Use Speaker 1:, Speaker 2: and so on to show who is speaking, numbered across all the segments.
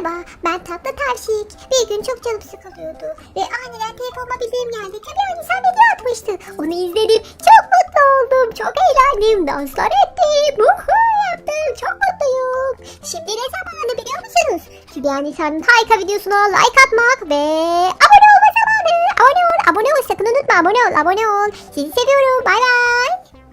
Speaker 1: Merhaba, ben Tatlı Tavşik. Bir gün çok canım sıkılıyordu ve aniden telefonuma bildiğim geldi. Tabii sen video atmıştı. Onu izledim, çok mutlu oldum, çok eğlendim, danslar ettim, yaptım, çok mutluyum. Şimdi ne zamanı biliyor musunuz? Hülya Nisa'nın harika videosuna like atmak ve abone olma zamanı. Abone ol, sakın unutma, abone ol. Sizi seviyorum, bay bay.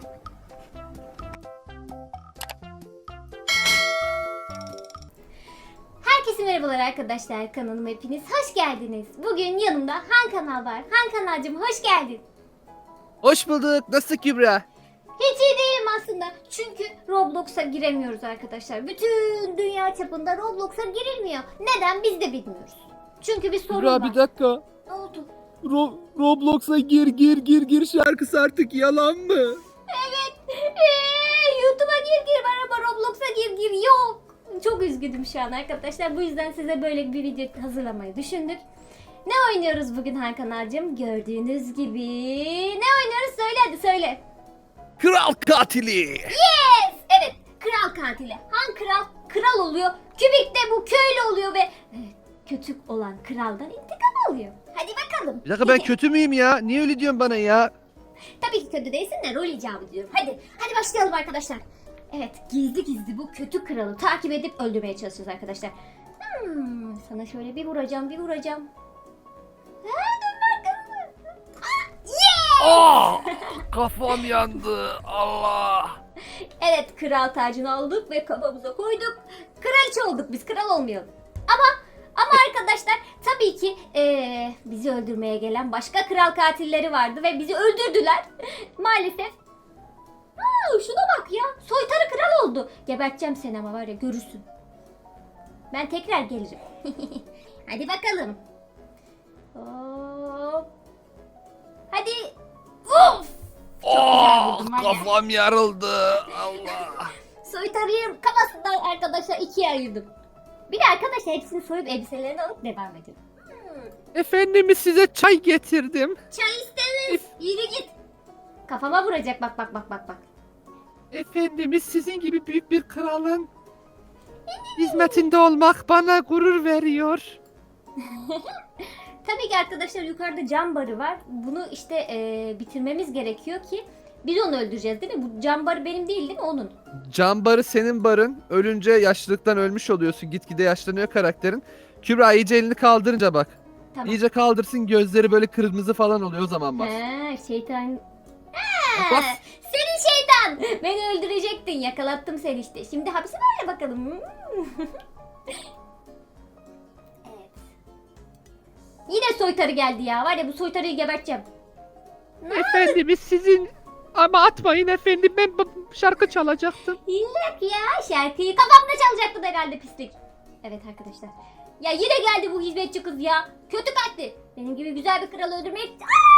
Speaker 2: Herkese merhabalar arkadaşlar, kanalıma hepiniz hoş geldiniz. Bugün yanımda Han Kanal var. Han Kanalcığım hoş geldin.
Speaker 3: Hoş bulduk. Nasıl Kübra?
Speaker 2: Hiç iyi değilim aslında. Çünkü Roblox'a giremiyoruz arkadaşlar. Bütün dünya çapında Roblox'a girilmiyor. Neden biz de bilmiyoruz. Çünkü bir sorun
Speaker 3: Kübra
Speaker 2: var.
Speaker 3: bir dakika.
Speaker 2: Ne oldu?
Speaker 3: Roblox'a gir şarkısı artık yalan mı?
Speaker 2: Evet. YouTube'a gir bana Roblox'a gir yok. Çok üzgünüm şu an arkadaşlar. Bu yüzden size böyle bir video hazırlamayı düşündük. Ne oynuyoruz bugün Han Kanalcığım? Gördüğünüz gibi. Ne oynuyoruz? Söyle hadi söyle.
Speaker 3: Kral katili.
Speaker 2: Yes! Evet. Kral katili. Han kral oluyor. Kübik de bu köylü oluyor ve kötü olan kraldan intikam alıyor. Hadi bakalım.
Speaker 3: Bir dakika ben kötü müyüm ya? Niye öyle diyorsun bana ya?
Speaker 2: Tabii ki kötü değilsin de rol icabı diyorum. Hadi başlayalım arkadaşlar. Evet, gizli bu kötü kralı takip edip öldürmeye çalışacağız arkadaşlar. Sana şöyle bir vuracağım. Ha, dön bakalım.
Speaker 3: Aa, kafam yandı. Allah.
Speaker 2: Evet, kral tacını aldık ve kafamıza koyduk. Kraliçe olduk biz, kral olmayalım. Ama arkadaşlar tabii ki bizi öldürmeye gelen başka kral katilleri vardı ve bizi öldürdüler. Maalesef. Şuna bak ya, soytarı kral oldu. Geberteceğim seni ama var ya, görürsün. Ben tekrar gelirim. Hadi bakalım. Hop. Hadi. Of.
Speaker 3: Kafam yarıldı. Allah.
Speaker 2: Soytarıyı kafasından arkadaşlar ikiye ayırdım. Bir de arkadaşlar hepsini soyup elbiselerini alıp devam ediyorum.
Speaker 3: Efendimiz size çay getirdim.
Speaker 2: Çay istemez. Yürü git. Kafama vuracak bak.
Speaker 3: Efendimiz sizin gibi büyük bir kralın hizmetinde olmak bana gurur veriyor.
Speaker 2: Tabii ki arkadaşlar yukarıda cam barı var. Bunu işte bitirmemiz gerekiyor ki biz onu öldüreceğiz değil mi? Bu cam barı benim değil mi? Onun.
Speaker 3: Can barı senin barın. Ölünce yaşlılıktan ölmüş oluyorsun. Gitgide yaşlanıyor karakterin. Kübra iyice elini kaldırınca bak.
Speaker 2: Tamam.
Speaker 3: İyice kaldırsın, gözleri böyle kırmızı falan oluyor, o zaman bak.
Speaker 2: Şeytan.
Speaker 3: Bas.
Speaker 2: Senin şeytan. Beni öldürecektin. Yakalattım seni işte. Şimdi hapse var ya bakalım. Evet. Yine soytarı geldi ya. Var ya, bu soytarıyı geberteceğim.
Speaker 3: Efendimiz sizin... Ama atmayın efendim, ben şarkı çalacaktım.
Speaker 2: Yok ya, şarkıyı kafamda çalacaktın herhalde, pislik. Evet arkadaşlar. Ya yine geldi bu hizmetçi kız ya. Kötü kalpli. Benim gibi güzel bir kralı öldürmek...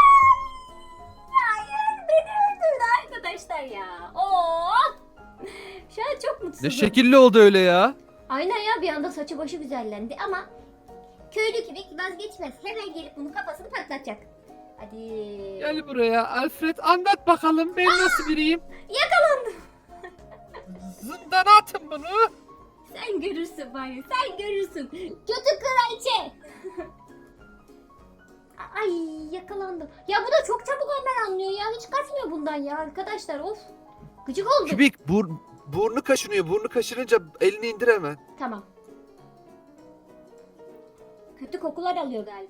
Speaker 2: Hayır, beni öldürdü arkadaşlar ya. Of. Şu an çok mutsuzum.
Speaker 3: Ne şekilli oldu öyle ya.
Speaker 2: Aynen ya, bir anda saçı başı güzellendi ama köylü gibi vazgeçmez. Hemen gelip bunun kafasını patlatacak. Hadi.
Speaker 3: Gel buraya Alfred, anlat bakalım ben nasıl biriyim.
Speaker 2: Yakalandım.
Speaker 3: Zindana atın bunu.
Speaker 2: Sen görürsün bari, sen görürsün. Kötü kraliçe. Ay, yakalandım. Ya bu da çok çabuk hemen anlıyor ya. Hiç kaçmıyor bundan ya arkadaşlar, of. Gıcık oldum.
Speaker 3: Kübik burnu kaşınıyor. Burnu kaşınınca elini indir hemen.
Speaker 2: Tamam. Kötü kokular alıyor galiba.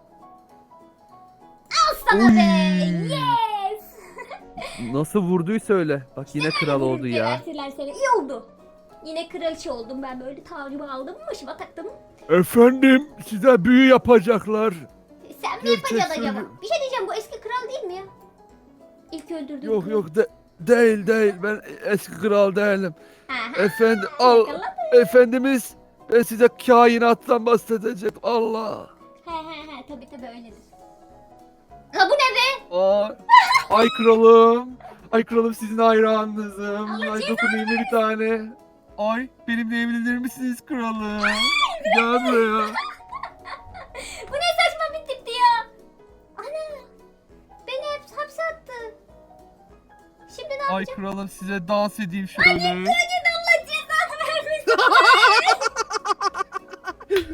Speaker 2: Al sana be. Yes.
Speaker 3: Nasıl vurduysa öyle. Bak yine kral oldu ya.
Speaker 2: Gebertirler seni. İyi oldu. Yine kraliçe oldum ben, böyle tacımı aldım, başıma taktım.
Speaker 3: Efendim, size büyü yapacaklar.
Speaker 2: Sen mi yapacaksın acaba? Bir şey diyeceğim, bu eski kral değil mi ya? İlk öldürdüğüm kral.
Speaker 3: Değil, ben eski kral değilim.
Speaker 2: Aha,
Speaker 3: Efendim efendimiz, ben size kainattan bahsedeceğim. Allah.
Speaker 2: He tabii öyledir. Ha, bu ne be?
Speaker 3: Ay kralım. Ay kralım, sizin hayranınızım.
Speaker 2: Allah
Speaker 3: Ay dokunayım bir tane. Ay, benimle evlenir misiniz kralım? Gel buraya.
Speaker 2: Bu ne saçma bir tipti ya? Ana, beni hep hapse attı. Şimdi ne
Speaker 3: Ay
Speaker 2: yapacağım?
Speaker 3: kralım, size dans edeyim şöyle.
Speaker 2: Hayır, Allah cezanı vermesin.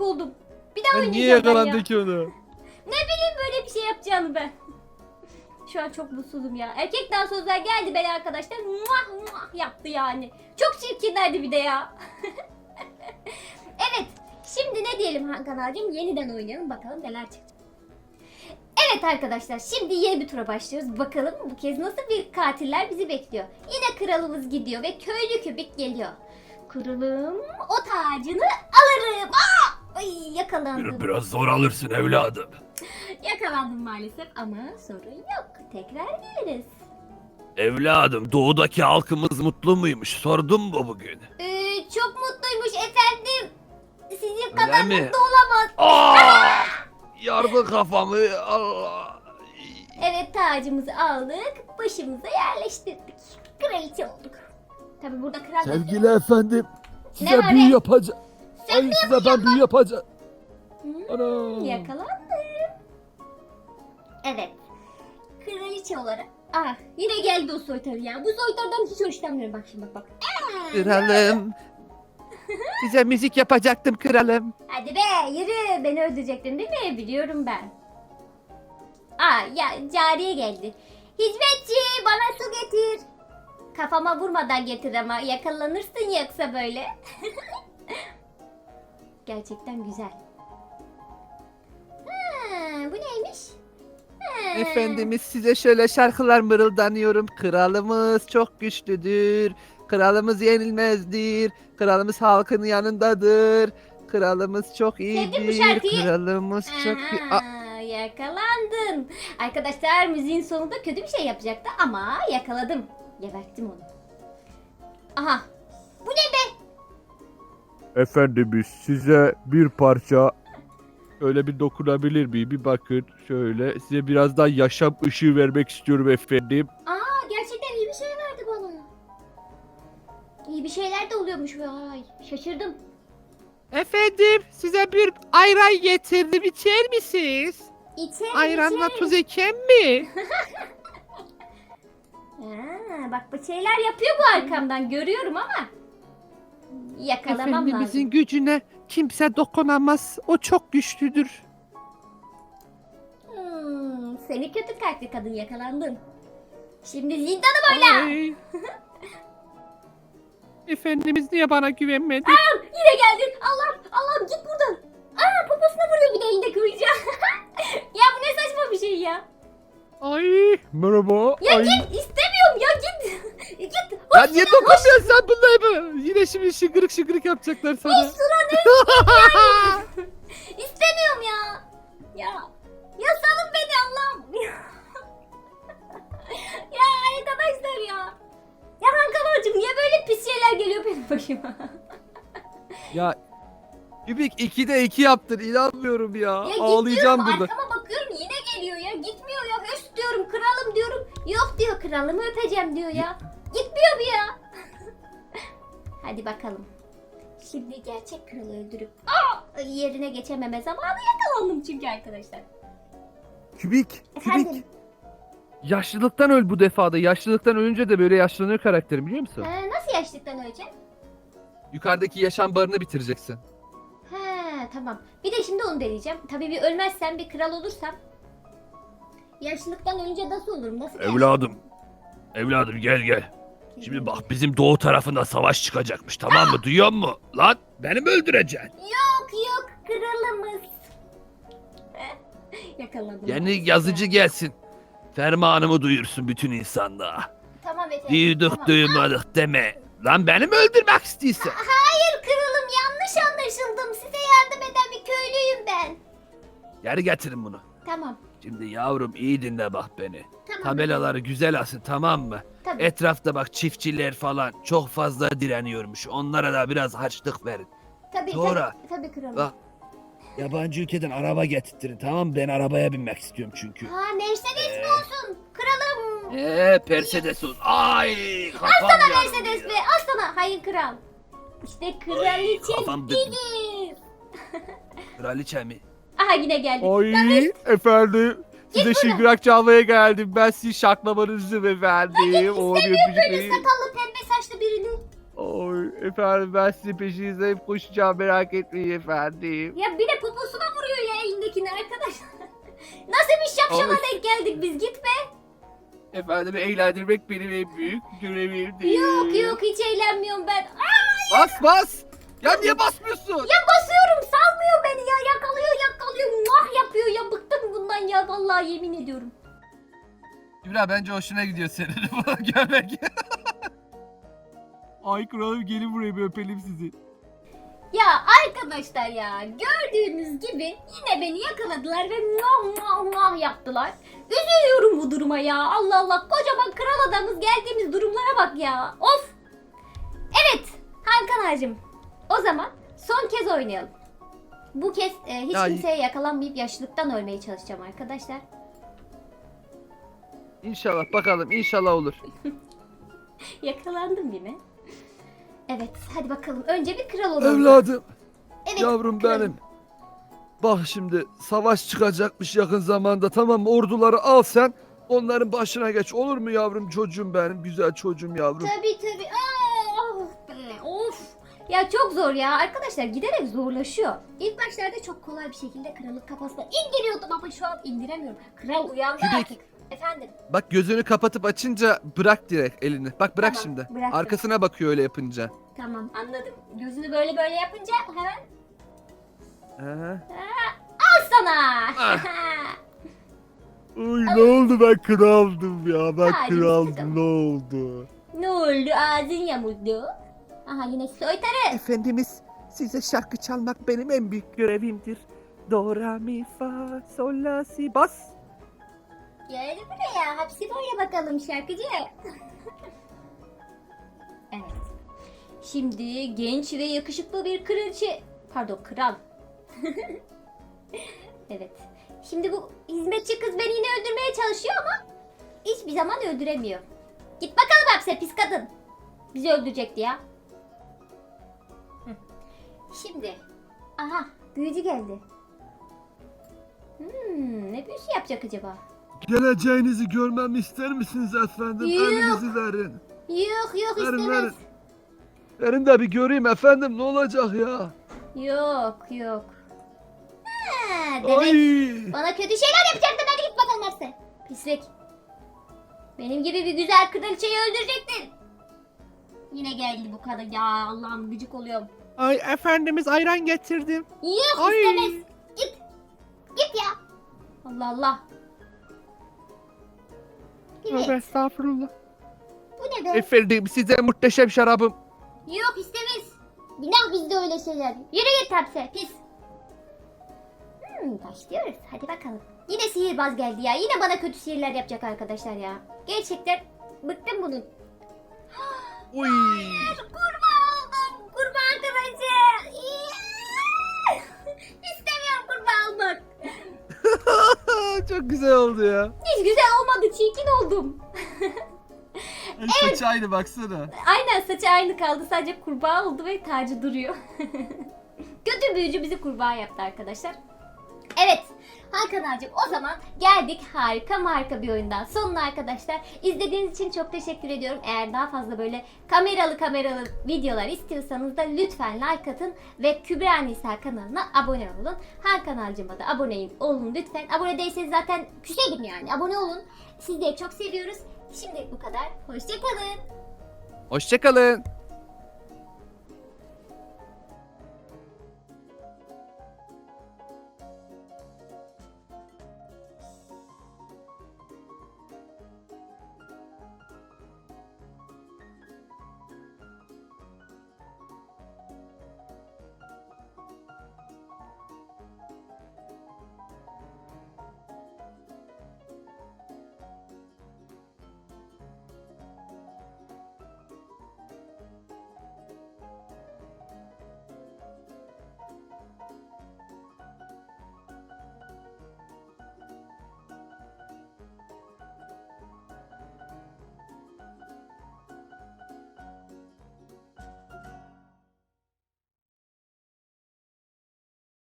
Speaker 2: oldum. Bir daha
Speaker 3: Ben niye
Speaker 2: oynayacağım ben ya.
Speaker 3: yakalandı ki onu?
Speaker 2: Ne bileyim böyle bir şey yapacağını ben. Şu an çok mutsuzum ya. Erkek dansözler geldi beni arkadaşlar. Muah muah yaptı yani. Çok çirkinlerdi bir de ya. Evet. Şimdi ne diyelim Hakan abicim? Yeniden oynayalım bakalım neler çıkacak. Evet arkadaşlar şimdi yeni bir tura başlıyoruz. Bakalım bu kez nasıl bir katiller bizi bekliyor. Yine kralımız gidiyor ve köylü kübik geliyor. Kralım o tacını alırım. Aa! Ay yakalandım.
Speaker 4: Biraz zor alırsın evladım.
Speaker 2: Yakalandım maalesef ama sorun yok. Tekrar geliriz.
Speaker 4: Evladım doğudaki halkımız mutlu muymuş sordun mu bugün?
Speaker 2: Çok mutluymuş efendim. Sizin
Speaker 4: Öyle
Speaker 2: kadar
Speaker 4: mi?
Speaker 2: mutlu olamaz.
Speaker 4: Aa! Yardı kafamı Allah.
Speaker 2: Evet tacımızı aldık. Başımıza yerleştirdik. Kraliçe olduk. Tabi burada kral...
Speaker 5: Sevgili efendim,
Speaker 2: Ne
Speaker 5: size
Speaker 2: var
Speaker 5: büyü
Speaker 2: be?
Speaker 5: yapacağım.
Speaker 2: Sen
Speaker 5: Ay size ben büyü yapacağım.
Speaker 2: Hmm,
Speaker 5: Ana.
Speaker 2: yakalandım. Evet. Kraliçe olarak... Yine geldi o soytarı ya. Bu soytarıdan hiç hoşlanmıyorum. Bak şimdi bak.
Speaker 3: Kralım. Size müzik yapacaktım kralım.
Speaker 2: Hadi be yürü. Beni öldürecektin değil mi? Biliyorum ben. Ya cariye geldi. Hizmetçi bana su getir. Kafama vurmadan getir ama yakalanırsın yoksa böyle. Gerçekten güzel. Bu neymiş?
Speaker 3: Efendimiz size şöyle şarkılar mırıldanıyorum. Kralımız çok güçlüdür. Kralımız yenilmezdir. Kralımız halkın yanındadır. Kralımız çok
Speaker 2: Sevdim bu
Speaker 3: iyidir.
Speaker 2: şarkıyı.
Speaker 3: Kralımız çok iyi.
Speaker 2: Yakalandın. Arkadaşlar müziğin sonunda kötü bir şey yapacaktı ama yakaladım. Geberttim onu. Aha. Bu ne be?
Speaker 5: Efendimiz size bir parça öyle bir dokunabilir miyim? Bir bakın şöyle. Size biraz daha yaşam ışığı vermek istiyorum efendim.
Speaker 2: Gerçekten iyi bir şey verdi bana. İyi bir şeyler de oluyormuş. Vay. Şaşırdım.
Speaker 3: Efendim size bir ayran getirdim. İçer misiniz?
Speaker 2: İçerim,
Speaker 3: Ayranla
Speaker 2: içerim.
Speaker 3: tuz eken mi?
Speaker 2: Bak bu şeyler yapıyor bu arkamdan görüyorum ama yakalamam
Speaker 3: Efendimizin
Speaker 2: lazım.
Speaker 3: gücüne kimse dokunamaz. O çok güçlüdür.
Speaker 2: Seni kötü kalpli kadın yakalandın. Şimdi zindanı boyla.
Speaker 3: Ay. Efendimiz niye bana güvenmedi?
Speaker 2: Yine geldin. Allah'ım git buradan. Poposuna vuruyor bir de elinde kılıca. Ya bu ne saçma bir şey ya.
Speaker 3: Ay.
Speaker 5: Merhaba.
Speaker 2: Ya
Speaker 5: Ay.
Speaker 2: git istemiyorum ya git. Git.
Speaker 3: Ya niye dokunmuyorsun sen bunları? Yine şimdi şıkırık şıkırık yapacaklar sana.
Speaker 2: İstemiyorum ya. Ya salın beni Allah'ım. Ya arkadaşlar ya. Ya Hakan niye böyle pis şeyler geliyor benim başıma?
Speaker 3: Ya Kübik 2'de 2 yaptın inanmıyorum ya.
Speaker 2: Ya
Speaker 3: Ağlayacağım
Speaker 2: gitmiyorum,
Speaker 3: burada.
Speaker 2: arkama bakıyorum yine geliyor ya. Gitmiyor ya. Höst diyorum kralım diyorum. Yok diyor kralımı öpeceğim diyor ya. Gitmiyor bu ya. Hadi bakalım. Şimdi gerçek kralı öldürüp yerine geçememe zamanı yakalandım çünkü arkadaşlar.
Speaker 3: Kübik.
Speaker 2: Efendim?
Speaker 3: Yaşlılıktan öl bu defada. Yaşlılıktan ölünce de böyle yaşlanıyor karakterin biliyor musun?
Speaker 2: Nasıl yaşlıktan öleceğim?
Speaker 3: Yukarıdaki yaşam barını bitireceksin.
Speaker 2: Tamam. Bir de şimdi onu deneyeceğim. Tabii bir ölmezsem bir kral olursam. Yaşlılıktan ölünce nasıl olurum? Nasıl
Speaker 4: Evladım gel. Şimdi bak bizim doğu tarafında savaş çıkacakmış tamam mı duyuyor musun? Lan beni mi öldüreceksin?
Speaker 2: Yok kralımız. Yakaladım.
Speaker 4: Yeni yazıcı gelsin. Fermanımı duyursun bütün insanlığa.
Speaker 2: Tamam efendim.
Speaker 4: Duyduk
Speaker 2: tamam.
Speaker 4: duymadık deme. Lan beni mi öldürmek istiyorsun?
Speaker 2: Hayır kralım yanlış anlaşıldım. Size yardım eden bir köylüyüm ben.
Speaker 4: Geri getirin bunu.
Speaker 2: Tamam.
Speaker 4: Şimdi yavrum iyi dinle bak beni.
Speaker 2: Tamam.
Speaker 4: Tabelaları güzel asın tamam mı?
Speaker 2: Tabii.
Speaker 4: Etrafta bak çiftçiler falan çok fazla direniyormuş. Onlara da biraz harçlık verin.
Speaker 2: Tabii,
Speaker 4: Sonra-
Speaker 2: tabii kralım.
Speaker 4: Bak. Yabancı ülkeden araba getirtirin tamam mı? Ben arabaya binmek istiyorum çünkü.
Speaker 2: Mercedes mi olsun? Kralım.
Speaker 4: Mercedes olsun. Ay kafam
Speaker 2: Aslan
Speaker 4: yandı
Speaker 2: Mercedes
Speaker 4: ya.
Speaker 2: be. Aslan. Hayır kral. İşte kraliçe
Speaker 4: kafam döndü.
Speaker 2: bilir.
Speaker 4: Kraliçe mi?
Speaker 2: Aha yine geldi.
Speaker 5: Ay efendim. Size şıngırak çalmaya geldim. Ben sizin şaklamanızı efendim. O
Speaker 2: İstemiyorum böyle sakallı pembe saçlı birini.
Speaker 5: Oy efendim ben sizin peşinize koşacağım merak etmeyin efendim.
Speaker 2: Ya bir de poposuna vuruyor ya elindekini arkadaşlar. Nasıl bir şapşala
Speaker 5: Ay.
Speaker 2: denk geldik biz, gitme.
Speaker 5: Efendim eğlendirmek benim en büyük görevimdir.
Speaker 2: Yok hiç eğlenmiyorum ben. Aa,
Speaker 5: Bas bas. Ya niye basmıyorsun?
Speaker 2: ya basıyorum, salmıyor beni ya, yakalıyor mah yapıyor ya, bıktım bundan ya vallahi, yemin ediyorum.
Speaker 5: Kübra bence hoşuna gidiyor senin bunu görmek. Ay kralım gelin buraya bir öpelim sizi.
Speaker 2: Ya arkadaşlar ya, gördüğünüz gibi yine beni yakaladılar ve mah yaptılar. Üzülüyorum bu duruma ya, Allah Allah, kocaman kral adamız, geldiğimiz durumlara bak ya, of. Evet Hakan ağacım, o zaman son kez oynayalım. Bu kez hiç
Speaker 5: Ya-
Speaker 2: kimseye yakalanmayıp yaşlılıktan ölmeye çalışacağım arkadaşlar.
Speaker 5: İnşallah bakalım inşallah olur.
Speaker 2: Yakalandım yine. Evet hadi bakalım, önce bir kral olalım.
Speaker 5: Evladım,
Speaker 2: Evet,
Speaker 5: yavrum
Speaker 2: kralım.
Speaker 5: benim. Bak şimdi savaş çıkacakmış yakın zamanda, tamam mı? Orduları al sen, onların başına geç, olur mu yavrum, çocuğum benim, güzel çocuğum yavrum.
Speaker 2: Tabii. Of. Ya çok zor ya arkadaşlar, giderek zorlaşıyor. İlk başlarda çok kolay bir şekilde krallık kafasına indiriyordum ama şu an indiremiyorum. Kral uyandı
Speaker 5: Kübik.
Speaker 2: artık. Efendim.
Speaker 5: Bak gözünü kapatıp açınca bırak direkt elini. Bak bırak
Speaker 2: Tamam,
Speaker 5: şimdi.
Speaker 2: bıraktım.
Speaker 5: Arkasına bakıyor öyle yapınca.
Speaker 2: Tamam anladım. Gözünü böyle yapınca hemen
Speaker 5: Aha.
Speaker 2: al sana.
Speaker 5: Uy ne oldu, ben kraldım ya, ben
Speaker 2: Hadi
Speaker 5: kraldım,
Speaker 2: bakalım.
Speaker 5: ne oldu?
Speaker 2: Ne oldu, ağzın yamuldu. Aha yine soytarı.
Speaker 5: Efendimiz, size şarkı çalmak benim en büyük görevimdir. Do, ra, mi, fa, sol, la, si, bas.
Speaker 2: Gel buraya, hapsi boya bakalım şarkıcı. Evet. Şimdi genç ve yakışıklı bir kraliçe, pardon kral. Evet. Şimdi bu hizmetçi kız beni yine öldürmeye çalışıyor ama hiçbir zaman öldüremiyor. Git bakalım hapse pis kadın. Bizi öldürecekti ya. Hı. Şimdi. Aha büyücü geldi. Ne büyüsü yapacak acaba?
Speaker 5: Geleceğinizi görmemi ister misiniz efendim?
Speaker 2: Yok.
Speaker 5: Elinizi verin.
Speaker 2: Yok
Speaker 5: Verin,
Speaker 2: istemez.
Speaker 5: verin. Verin de bir göreyim efendim, ne olacak ya?
Speaker 2: Yok. Ha, demek
Speaker 5: Ay.
Speaker 2: bana kötü şeyler yapacaktın, hadi git bakalım hapse. Pislik. Benim gibi bir güzel kraliçeyi öldürecektin. Yine geldi bu kadın ya, Allah'ım gıcık oluyorum.
Speaker 3: Ay efendimiz ayran getirdim.
Speaker 2: Yok
Speaker 3: Ay.
Speaker 2: istemez. Git ya. Allah Allah.
Speaker 3: Tövbe
Speaker 2: Evet.
Speaker 3: estağfurullah.
Speaker 2: Bu ne be?
Speaker 5: Efendim size muhteşem şarabım.
Speaker 2: Yok istemez. Günah bizde öyle şeyler. Yürü git hapse pis. Başlıyoruz hadi bakalım. Yine sihirbaz geldi ya. Yine bana kötü sihirler yapacak arkadaşlar ya. Gerçekten bıktım bunun.
Speaker 5: Uy.
Speaker 2: Kurban oldum. Kurban kraliçe. İstemiyorum kurban olmak.
Speaker 5: Çok güzel oldu ya.
Speaker 2: Hiç güzel olmadı. Çirkin oldum.
Speaker 5: Saçı aynı baksana.
Speaker 2: Aynen saçı aynı kaldı. Sadece kurbağa oldu ve tacı duruyor. Kötü büyücü bizi kurbağa yaptı arkadaşlar. Evet Hakan ağacım, o zaman geldik harika bir oyundan sonuna arkadaşlar. İzlediğiniz için çok teşekkür ediyorum. Eğer daha fazla böyle kameralı videolar istiyorsanız da lütfen like atın ve Kübra Nisa kanalına abone olun. Hakan ağacıma da abone olun lütfen. Abone değilseniz zaten küserim yani, abone olun. Sizleri çok seviyoruz. Şimdi bu kadar. Hoşçakalın.
Speaker 5: Hoşçakalın.